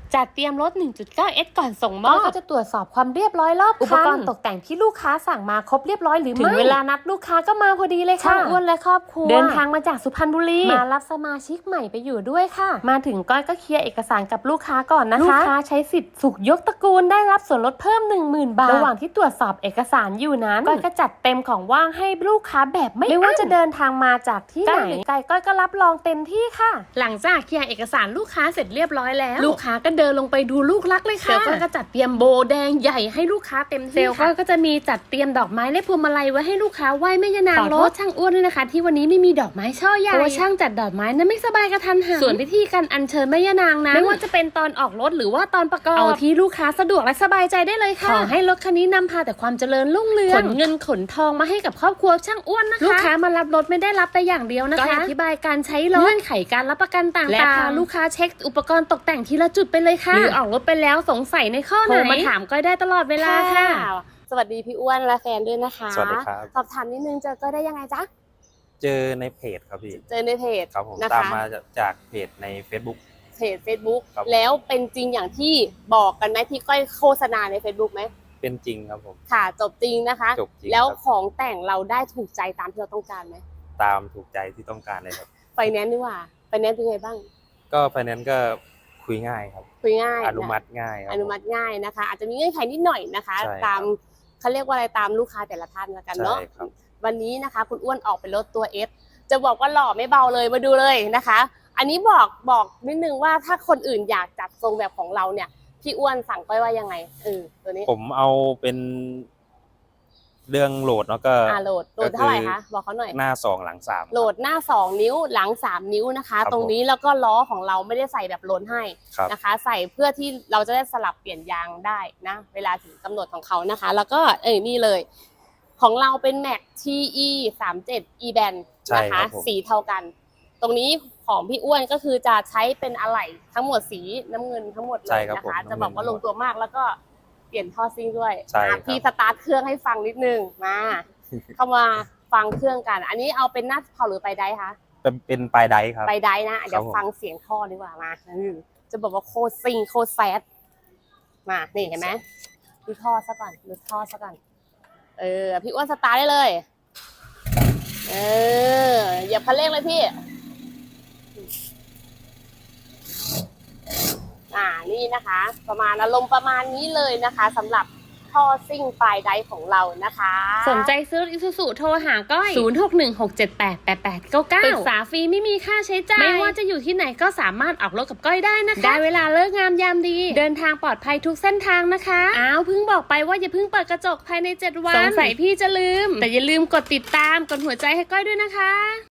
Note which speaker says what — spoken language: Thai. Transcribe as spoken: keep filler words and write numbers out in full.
Speaker 1: จัดเตรียมรถ หนึ่งจุดเก้า เอส ก่อนส่งมอบก็จะตรวจสอบความเรียบร้อยรอบคันอุปกรณ์ตกแต่งที่ลูกค้าสั่งมาครบเรียบร้อยหรือไม่ถึงเวลานัดลูกค้าก็มาพอดีเลยค่ะอ้วนและครอบครัวเดินทางมาจากสุพรรณบุรีมารับสมาชิกใหม่ไปอยู่ด้วยค่ะมาถึงก้อยก็เคลียร์เอกสารกับลูกค้าก่อนนะคะลูกค้าใช้สิทธิ์สุขยกตระกูลได้รับส่วนลดเพิ่ม หนึ่งหมื่น บาทระหว่างที่ตรวจสอบเอกสารอยู่นั้นก้อยก็จัดเต็มของว่างให้ลูกค้าแบบไม่ไม่ว่าจะเดินทางมาจากที่ไหนไกลก้อยก็รับรองเต็มที่ค่ะหลังจากเคลียร์เอกสารลูกค้าเสร็จเรียบร้อยแล้วลูกค้าก็เดินลงไปดูลูกรักเลยค่ะเซลล์ก็จัดเตรียมโบแดงใหญ่ให้ลูกค้าเต็มที่เซลล์ก็จะมีจัดเตรียมดอกไม้และพวงมาลัยไว้ให้ลูกค้าไหว้แม่ย่านางรถช่างอ้วนด้วยนะคะที่วันนี้ไม่มีดอกไม้ช่อใหญ่เพราะว่าช่างจัดดอกไม้นั้นไม่สบายกระทันหันส่วนพิธีการอัญเชิญแม่ย่านางนั้นไม่ว่าจะเป็นตอนออกรถหรือว่าตอนประกอบเอาที่ลูกค้าสะดวกและสบายใจได้เลยค่ะขอให้รถคันนี้นำพาแต่ความเจริญรุ่งเรืองขนเงินขนทองมาให้กับครอบครัวช่างอ้วนนะคะลูกค้ามารับรถไม่ได้รับแต่อย่างเดียวนะคะก็อธิบายการใช้รถเงื่อนไขการรับประกันต่างๆและพาลูกค้าเช็คอุปกรณ์ตกแต่งทีละจุดไปเลยค่ะหรือออกรถไปแล้วสงสัยในข้อไหนโทรมาถามก้อยได้ตลอดเวลาค่ะสวัสดีพี่อ้วนและแฟนด้วยนะคะ
Speaker 2: สวัสดีครับ
Speaker 1: สอบถามนิดนึงเจอก้อยได้ยังไงจ๊ะ
Speaker 2: เจอในเพจครับพี่
Speaker 1: เจอในเพจ
Speaker 2: ครับผม
Speaker 1: นะคะ
Speaker 2: ตามมาจากเพจใน Facebook
Speaker 1: เพจ Facebook แล้วเป็นจริงอย่างที่บอกกันไหมที่ก้อยโฆษณาใน Facebook ไหม
Speaker 2: เป็นจริงครับผม
Speaker 1: ค่ะจบจริงนะคะ
Speaker 2: จบจริง
Speaker 1: แล้วของแต่งเราได้ถูกใจตามที่เราต้องการไหม
Speaker 2: ตามถูกใจที่ต้องการเลยครับ
Speaker 1: ไฟแนนซ์ดีกว่าไฟแนนซ์เป็นไงบ้าง
Speaker 2: ก็ไฟแนนซ์ก็คุยง่ายครับ
Speaker 1: คุยง่าย
Speaker 2: อนุมัติง่ายครับ
Speaker 1: อนุมัติง่ายนะคะอาจจะมีเงื่อนไขนิดหน่อยนะคะตามเขาเรียกว่าอะไรตามลูกค้าแต่ละท่านแล้วกันเนาะวันนี้นะคะคุณอ้วนออกเป็นรถตัว F จะบอกว่าหล่อไม่เบาเลยมาดูเลยนะคะอันนี้บอกบอกนิดนึงว่าถ้าคนอื่นอยากจัดทรงแบบของเราเนี่ยพี่อ้วนสั่งก้อยว่ายังไงเออตัวนี้
Speaker 2: ผมเอาเป็นเรื่องโหลดเนาะก็
Speaker 1: อ่าโหลดโหลดเท่าไหร่คะบอกเขาหน่อย
Speaker 2: หน้าสองหลังสาม
Speaker 1: โหลดหน้าสองนิ้วหลังสามนิ้วนะคะตรงนี้แล้วก็ล้อของเราไม่ได้ใส่แบบล้นให้นะคะใส่เพื่อที่เราจะได้สลับเปลี่ยนยางได้นะเวลาถึงกำหนดของเขานะคะแล้วก็เอ้ยนี่เลยของเราเป็น Max ที อี สามสิบเจ็ด E-Band นะคะสีเท่ากันตรงนี้ของพี่อ้วนก็คือจะใช้เป็นอะไหล่ทั้งหมดสีน้ำเงินทั้งหมดเลยนะคะจะบอกว่าลงตัวมากแล้วก็เปลี่ยนท่อซิ่งด้วยพี่สตาร์ทเครื่องให้ฟังนิดนึงมาเข้ามาฟังเครื่องกันอันนี้เอาเป็นหน้าเผาหรือไปไดคะ
Speaker 2: เป็นเป็นปลายไดครับ
Speaker 1: ไปไดนะเดี๋ยวฟังเสียงท่อดีกว่ามาจะบอกว่าโคตรซิ่งโคตรแซดมานี่เห็นไหมดูท่อซะก่อนดูท่อซะก่อนเออพี่อ้วนสตาร์ทได้เลยเออเหยียบคันเร่งเลยพี่อ่านี่นะคะประมาณอารมณ์ประมาณนี้เลยนะคะสำหรับท่อซิ่งปลายไดของเรานะคะสนใจซื้ออิซูซุโทรหาก้อยศูนย์ หก หนึ่ง หก เจ็ด แปด แปด แปด เก้า เก้าปรึกษาฟรีไม่มีค่าใช้จ่ายไม่ว่าจะอยู่ที่ไหนก็สามารถออกรถกับก้อยได้นะคะได้เวลาเลิกงามยามดีเดินทางปลอดภัยทุกเส้นทางนะคะอ้าวเพิ่งบอกไปว่าอย่าเพิ่งเปิดกระจกภายในเจ็ดวันสงสัยพี่จะลืมแต่อย่าลืมกดติดตามกดหัวใจให้ก้อยด้วยนะคะ